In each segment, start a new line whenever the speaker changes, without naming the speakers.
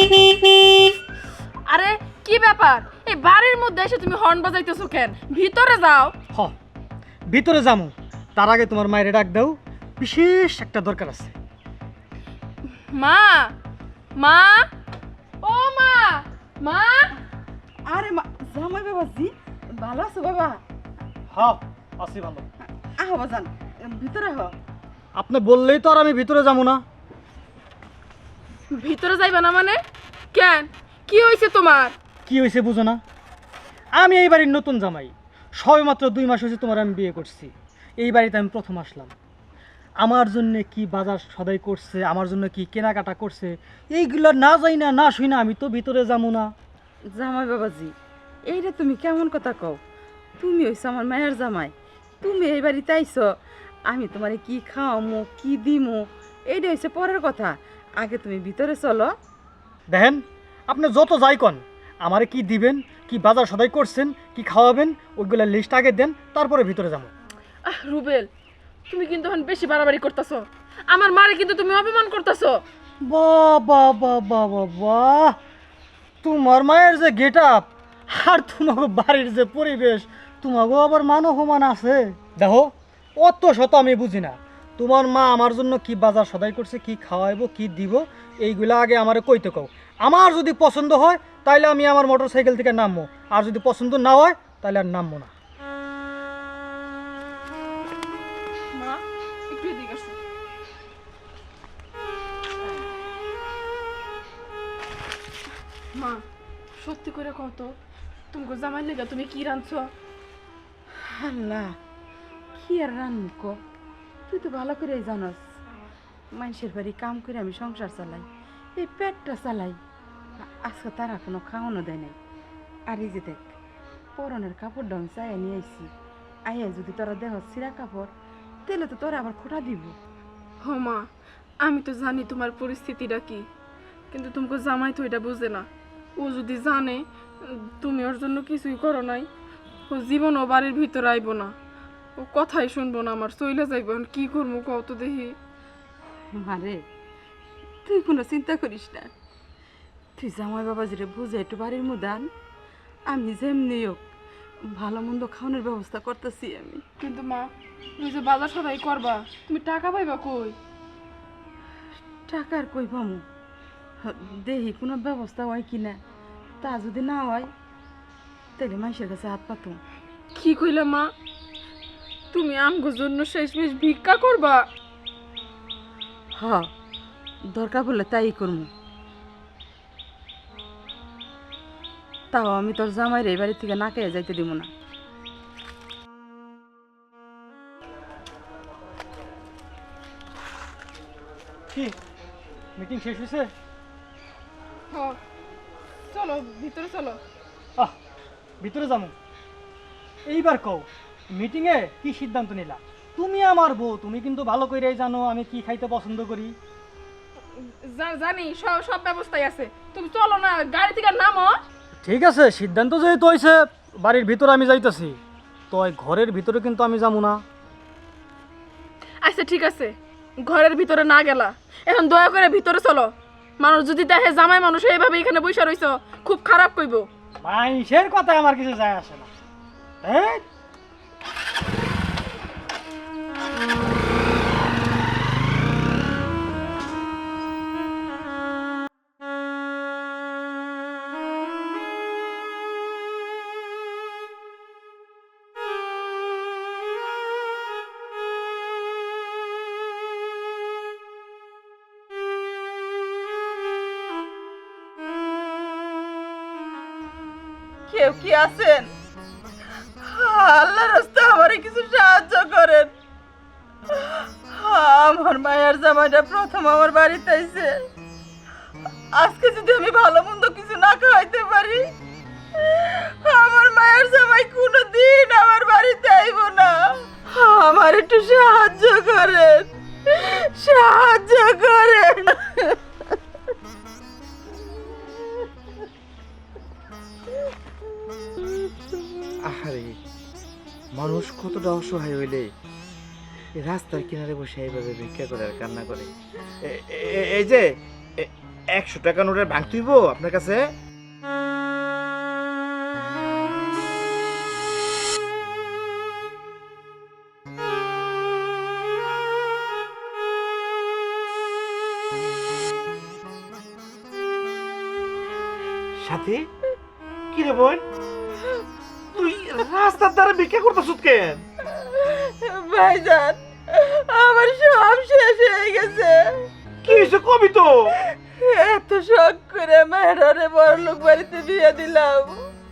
আরে কি ব্যাপার, এই বাড়ির মধ্যে এসে তুমি হর্ন বাজাইতেছো কেন? ভিতরে যাও।
হ, ভিতরে যামু, তার আগে তোমার মায়ের ডাক দাও, বিশেষ একটা দরকার আছে।
মা, মা, ও মা, মা।
আরে জামাই বাবাজি, ভালো আছো বাবা?
হ্যাঁ, আছি ভালো।
আহ বাজান, ভিতরে আহ।
আপনি বললেই তো আর আমি ভিতরে যাবো না।
ভিতরে যাইবা না মানে? কেন, কি হয়েছে তোমার?
কি হয়েছে বুঝো না? আমি এই বাড়ির নতুন জামাই, সবেমাত্র 2 মাস হয়েছে তোমার আমি বিয়ে করছি। এই বাড়িতে আমি প্রথম আসলাম। আমার জন্য কি বাজার সদাই করছে, আমার জন্য কি কেনাকাটা করছে, এইগুলো না যাই না, না শুই না আমি তো ভিতরে যাবো না।
জামাই বাবাজি, এইটা তুমি কেমন কথা কও? তুমি হইছো আমার মায়ের জামাই, তুমি এই বাড়িতে আইছো, আমি তোমারে কি খাওয়ামো কি দিমো এইটা হইছে পরের কথা। আগে তুমি ভিতরে চলো।
দেখেন, আপনি যত যাই কন, আমারে কি দিবেন, কি বাজার সদাই করছেন, কি খাওয়াবেন, ওইগুলো লিস্ট আগে দেন, তারপরে ভিতরে যাবো।
রুবেল, তুমি কিন্তু এখন বেশি বাড়াবাড়ি করতেছো। আমার মারে কিন্তু তুমি অপমান করতেছো।
বাহ বাহ বাহ বাহ বাহ বাহ, তোমার মায়ের যে গেট আপ আর তোমাকে বাড়ির যে পরিবেশ, তোমাকেও আবার মান অপমান আছে। দেখো, অত শত আমি বুঝি না। তোমার মা আমার জন্য কি বাজার সদাই করছে, কি খাওয়াইবো, কি দিব, এইগুলা আগে আমারে কইতে কও। আমার যদি পছন্দ হয় তাইলে আমি আমার মোটর সাইকেল থেকে নামবো, আর যদি পছন্দ না হয় তাহলে আর নামবো না।
মা, একটু এদিকে আসো। মা, সত্যি করে কত তুমি জামাই লেগা তুমি কি রাঁধছো?
আল্লাহ, কি আর রান্না কো, তুই তো ভালো করেই জানস মানুষের বাড়ি কাম করে আমি সংসার চালাই, এই পেটটা চালাই। আজকে তারা কোনো খাওয়ানো দেয় নাই। আর এই যে দেখ, পরনের কাপড়টা আমি চাইয়া নিয়ে আইছি, আইয়া যদি তোরা দেহ ছিঁড়া কাপড়, তাহলে তো তোরা আবার খোটা দিব।
হ মা, আমি তো জানি তোমার পরিস্থিতিটা কি, কিন্তু তোমাকে জামাই তো এটা বুঝে না। ও যদি জানে তুমি ওর জন্য কিছুই করো নাই, ও জীবন ও বাড়ির ভিতরে আইব না, ও কথাই শুনবো না, আমার চইলে যাইব। এখন কি করবো কও তো দেখি।
মারে, তুই কোনো চিন্তা করিস না, তুই জামাই বাবাজিরে বুঝে একটু বাড়ির মধ্যে আন, আমি যেমনি হোক ভালো মন্দ খাওয়ানোর ব্যবস্থা করতেছি আমি।
কিন্তু মা, তুমি যে বাজার সদাই করবা, তুমি টাকা পাইবা কই?
টাকার কই পামু, দেখি কোনো ব্যবস্থা হয় কিনা, তা যদি না হয় তাহলে মানুষের কাছে হাত পাতো।
কি কইলা মা, তুমি আমগোর জন্য শেষমেশ ভিক্ষা করবা?
হ, দরকার পড়লে তাই করবো। তাও আমি তোর জামাইরে এই বাড়ি থেকে না খেয়ে যাইতে দিব না।
কি মিটিং শেষ হয়েছে?
চলো ভিতরে চলো।
আহ, ভিতরে যাবো। এইবার কও, মিটিংয়ে কি সিদ্ধান্ত নিলা? তুমি আমার বউ, তুমি কিন্তু ভালো করেই জানো আমি কি খাইতে পছন্দ করি।
জানি, সব সব ব্যবস্থাই আছে। তুমি চলো না, গাড়ি থেকে নামো।
ঠিক আছে, সিদ্ধান্ত যেহেতু হয়েছে, বাড়ির ভিতরে আমি যাইতেছি, তো ওই ঘরের ভিতরে কিন্তু আমি যাবো না।
আচ্ছা ঠিক আছে, ঘরের ভিতরে না গেলা, এখন দয়া করে ভিতরে চলো। মানুষ যদি দেখে জামাই মানুষ এইভাবে এখানে বসে রইছো, খুব খারাপ কইব।
মানুষের কথা আমার কিছু যায় আসে না। এই,
কেউ কি আছেন? আল্লাহ রাস্তা আমারে কিছু সাহায্য করেন। আমার মায়ের জামাইটা প্রথম আমার বাড়িতে আইছে, আজকে যদি আমি ভালো মন্দ কিছু না খাওয়াইতে পারি, আমার মায়ের জামাই কোনোদিন আমার বাড়িতে আইব না। আমার একটু সাহায্য করেন, সাহায্য করেন।
আহারে, মানুষ কতটা অসহায় হইলে এই রাস্তার কিনারে বসে এইভাবে ভিক্ষা করে আর কান্না করে। এই যে 100 টাকা নোটের ভাঙ তুইব আপনার কাছে? সাথী কি রে বোন, তুই রাস্তার ধারে ভিক্ষা করতেছ কেন?
ভাইজান আমার সব শেষ হয়ে গেছে।
কি হয়েছে কবি তো?
এত শখ করে মেহরারে বড়লোক বাড়িতে বিয়ে দিলাম,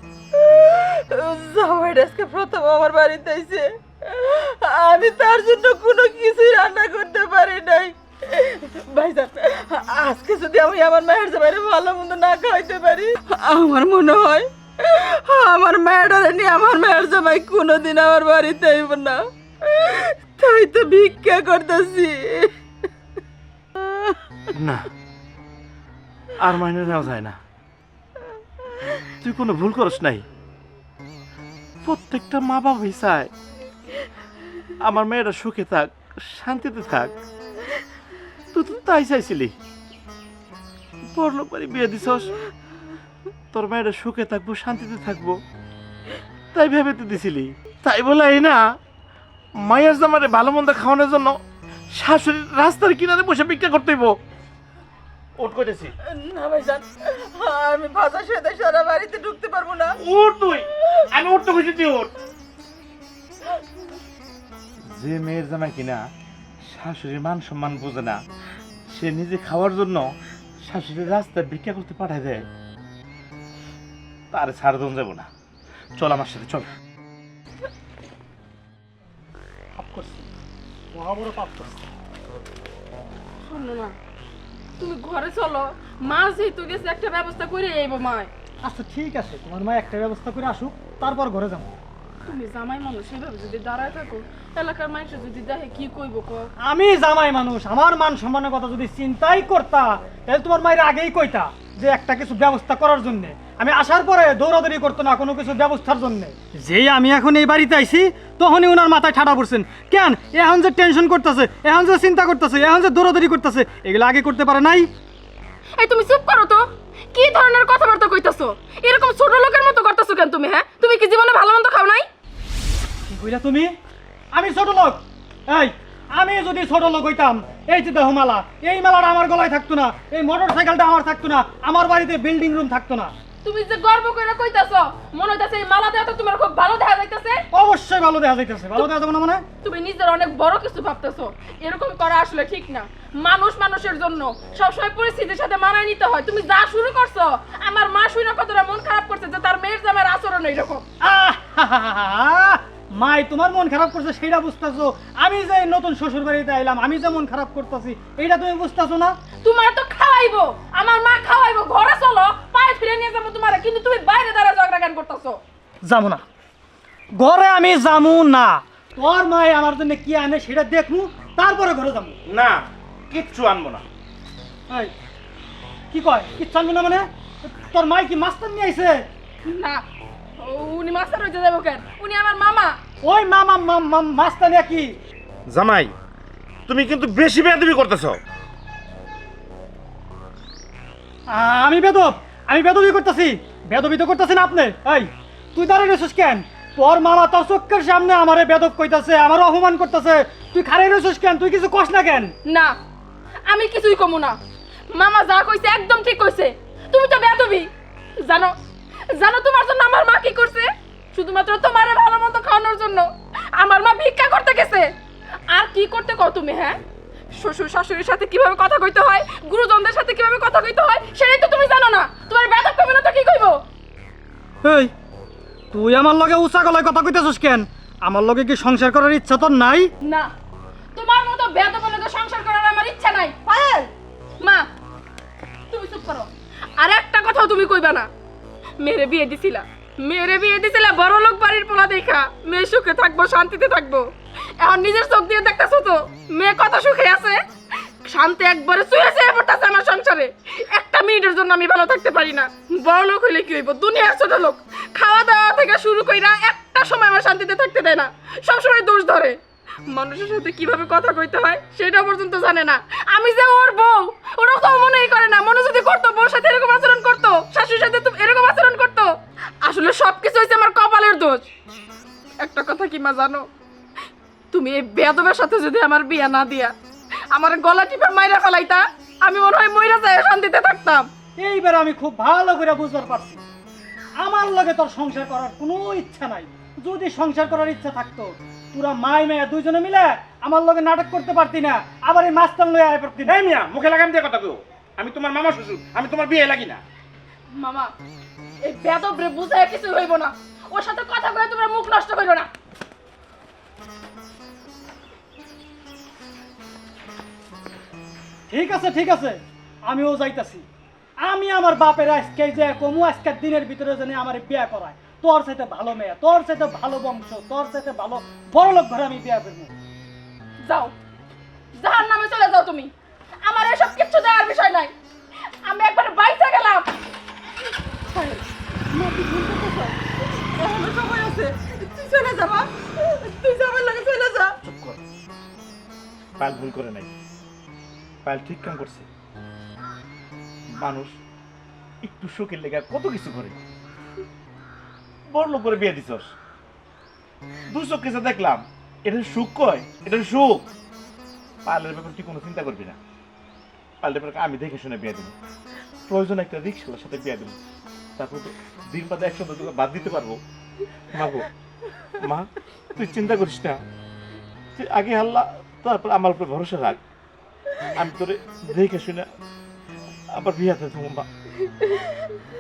জামাইটা আজকে প্রথম আমার বাড়িতে এসে আমি তার জন্য কোনো কিছুই রান্না করতে পারি নাই। ভাইজান আজকে যদি আমি আমার মায়ের জামাইরে ভালো মন্দ না খাইতে পারি, আমার মনে হয় আমার মেয়েটারে নিয়ে আমার মায়ের জামাই কোনোদিন আমার বাড়িতে আইব না। তাই তো ভিক্ষা করতেছি।
না, আর মাইনে নেওয়া যায় না। তুই কোনো ভুল করস নাই। প্রত্যেকটা মা বাবাই চায় আমার মেয়েরা সুখে থাক, শান্তিতে থাক। তুই তো তাই চাইছিলি, বড়লোক বাড়ি বিয়ে দিছস, তোর মেয়েরা সুখে থাকবো, শান্তিতে থাকবো, তাই ভেবে তুই দিছিলি। তাই বলে এই না মায়ের জামারে ভালো মন্দ খাওয়ানোর জন্য শাশুড়ি রাস্তার কিনারে বসে ভিক্ষা করতে হইব। ওট করেছি
না ভাইজান, আমি ভাষা সাথে সারা বাড়িতে ঢুকতে পারবো না।
উঠ তুই, আমি উঠতে খুশি তুই উঠ। যে মেয়ের জামাই কিনা শাশুড়ির মান সম্মান বোঝে না, সে নিজে খাওয়ার জন্য শাশুড়ির রাস্তায় ভিক্ষা করতে পাঠায় দেয়, তার ছাড় দন যাব না। চল আমার সাথে চল।
পাপ করছি, মহাবড় পাপ করছি।
শোনো না, তুমি ঘরে চলো, মা যেহেতু গেছে একটা ব্যবস্থা করে আইব মায়।
আচ্ছা ঠিক আছে, তোমার মা একটা ব্যবস্থা করে আসুক, তারপর ঘরে যাবো।
তুমি জামাই মানুষ সেভাবে যদি দাঁড়ায় থাকো, এলাকার মানুষ যদি দেখে কি কইব কও?
আমি জামাই মানুষ, আমার মান সম্মানের কথা যদি চিন্তাই করতা, তাহলে তোমার মায়ের আগেই কইতা যে একটা কিছু ব্যবস্থা করার জন্য। আমি আসার পরে দৌড়াদৌড়ি করতো না কোনো কিছু ব্যবস্থার জন্য। যেই আমি এখন এই বাড়িতে আইছি, তখনই ওনার মাথায় ঠাডা পড়ছেন। কেন এখন যে টেনশন করতেছে, এখন যে চিন্তা করতেছে, এখন যে দৌড়াদৌড়ি করতেছে, এগুলো আগে করতে পারে নাই?
এই তুমি চুপ করো তো, কি ধরনের কথাবার্তা কইতাছো? এরকম ছোট লোকের মতো করতেছো কেন তুমি? হ্যাঁ, তুমি কি জীবনে ভালো মন্দ খাও নাই?
কি কইলা তুমি? আমি ছোট লোক? এই আমি যদি ছোট লোক হইতাম, এই যে দেখো মালা, এই মালাটা আমার গলায় থাকতো না, এই মোটর সাইকেলটা আমার থাকতো না, আমার বাড়িতে বিল্ডিং রুম থাকতো না।
তুমি যে গর্ব করে কইতাছো, মনে হইতাছে এই মালা দেওয়া তো তোমার খুব ভালো দেখা যাইতাছে।
অবশ্যই ভালো দেখা যাইতেছে। ভালো দেখা যাবে না মানে?
তুমি নিজের অনেক বড় কিছু ভাবতেছো, এরকম করা আসলে ঠিক না। মানুষ মানুষের জন্য সবসময় পরিস্থিতির সাথে মানায় নিতে হয়। তুমি যা শুরু করছো, আমার মা শুনে কতটা মন খারাপ করছে যে তার মেয়ের জামাইয়ের আচরণ এইরকম।
মাই তোমার মন খারাপ করছে সেটা বুঝতেছো? আমি যে নতুন শ্বশুর বাড়িতে আইলাম, আমি যে মন খারাপ করতেছি, এইটা তুমি বুঝতেছো না?
তোমার তো খাওয়াইবো, আমার মা খাওয়াইবো। ঘরে চলো, পায়ে ফিরে নিয়ে যাবো তোমার, কিন্তু তুমি বাইরে দাঁড়া ঝগড়া কেন করতেছো?
যাবো না, ঘরে আমি যাবো না। তোর মাই আমার জন্য কি আনে সেটা দেখবো, তারপরে ঘরে যাবো।
না, কিচ্ছু আনবো না।
এই কি কয় কিচ্ছু আনবো না মানে? তোর মাই কি মাস্টার নিয়ে আইছে?
না, উনি মাস্টার হইতে যাবো কেন? উনি আমার মামা।
ওই মামা মাস্টার নিয়ে কি?
জামাই, তুমি কিন্তু বেশি বেয়াদবি করতেছো।
আমি বেদব? আমি বেদবি করতেছি? বেদবি তো করতেছেন আপনি। এই তুই দাঁড়িয়ে রয়েছিস কেন? তোর মামা তোর চোখের সামনে আমারে বেদব কইতাছে, আমারও অপমান করতেছে, তুই খাড়াই রয়েছিস কেন? তুই কিছু কস না কেন?
না, আমি কিছুই কমু না। মামা যা কইছে একদম ঠিক কইছে। তুমি তো বেয়াদবি। জানো জানো তোমার জন্য আমার মা কি করছে? শুধুমাত্র তোমারে ভালো মতো খাওয়ানোর জন্য আমার মা ভিক্ষা করতে গেছে। আর কি করতে কও তুমি? হ্যাঁ, শ্বশুর শাশুড়ির সাথে কিভাবে কথা কইতে হয়, গুরুজনদের সাথে কিভাবে কথা কইতে হয়, সেটাই তো তুমি জানো না। তোমার বেয়াদব কইবে না তো কি কইবো?
এই তুই আমার লগে উঁচা গলায় কথা কইতেছিস কেন? আমার লগে কি সংসার করার ইচ্ছা তোর নাই?
না, তোমার মতো বেয়াদবের লগে সংসার করার আমার ইচ্ছা নাই। পায়েল, মা তুমি চুপ করো। আর একটা কথাও তুমি কইবা না। মেরে বিয়ে দিছিলা বড় লোক বাড়ির পোলা দেখা মেয়ে সুখে থাকবো, শান্তিতে থাকবো। এখন নিজের চোখ দিয়ে দেখতেছো তো মেয়ে কত সুখে আছে। শান্তি একবারে চুয়েছে পড়তেছে আমার সংসারে। একটা মিনিটের জন্য আমি ভালো থাকতে পারি না। বড় লোক হইলে কি হইব? দুনিয়ার ছোট লোক। খাওয়া দাওয়া থেকে শুরু কইরা একটা সময় আমার শান্তিতে থাকতে দেয় না, সবসময় দোষ ধরে। মানুষের সাথে কিভাবে কথা কইতে হয় সেটা পর্যন্ত জানে না। আমি যে ওর বউ, ওরা তো মনেই করে না। মনে যদি করতো, বউর সাথে এরকম আচরণ করতো, শাশুড়ির সাথে তো এরকম আচরণ করতো। আসলে সবকিছু হয়েছে আমার কপালের দোষ। একটা কথা কি মা জানো, তুমি এই বেয়াদবের সাথে যদি আমার বিয়ে না দিয়া আমার গলা টিপে মাইরা ফেলাইতা, আমি মনে হয় মইরা যায় শান্তিতে থাকতাম।
এইবার আমি খুব ভালো করে বুঝতে পারছি আমার লগে তোর সংসার করার কোনো ইচ্ছা নাই। যদি সংসার করার ইচ্ছা থাকতো তোরা মাই মেয়ে দুইজনে মিলে আমার লগে নাটক করতে পারতি না, আবার এই মাস্তান লয়ে আয় পারতি না।
এই মিয়া মুখে লাগাম দিয়ে কথা কও, আমি তোমার মামা শ্বশুর, আমি তোমার বিয়ে লাগি না।
মামা, এই বেয়াদবরে বুঝায় কিছু হইব না, ওর সাথে কথা কয়ে তোমরা মুখ নষ্ট করো না।
ঠিক আছে ঠিক আছে, আমিও যাইতাছি। আমি আমার বাপের আজকে যে কমু আজকের দিনের ভিতরে জানি আমার বিয়ে করায়, তোর সাথে ভালো মেয়ে, তোর সাথে ভালো বংশ, তোর সাথে ভালো বড়লোক ঘরে আমি বিয়ে করবো।
যাও, জাহান্নামে চলে যাও তুমি, আমার এসব কিচ্ছু দেওয়ার বিষয় নাই। আমি একবার বাইচে গেলাম। এখনো সময় আছে, তুই চলে যা মা, তুই যাবার লাগে চলে যা।
চুপ কর, পায়েল ভুল করে নাই, পায়েল ঠিক কাম করছে। মানুষ একটু সুখের লেগে কত কিছু করে, বড় লোক করে বিয়ে দিছস, দু চোখ কেসে দেখলাম, এটা সুখ কয়, এটা সুখ। পায়েলের ব্যাপারে তুই কোনো চিন্তা করবি না, পায়েলের ব্যাপারে আমি দেখে শুনে বিয়ে দেবো, প্রয়োজন একটা রিক্সার সাথে বিয়ে দেবো, তারপর তো দিন বাদে একসাথে তোকে বাদ দিতে পারবো। মা গো, মা তুই চিন্তা করিস না, তুই আগে আল্লাহ তারপর আমার উপরে ভরসা রাখ, আমি তোরে দেখে শুনে আবার বিয়াতে দেবো। মা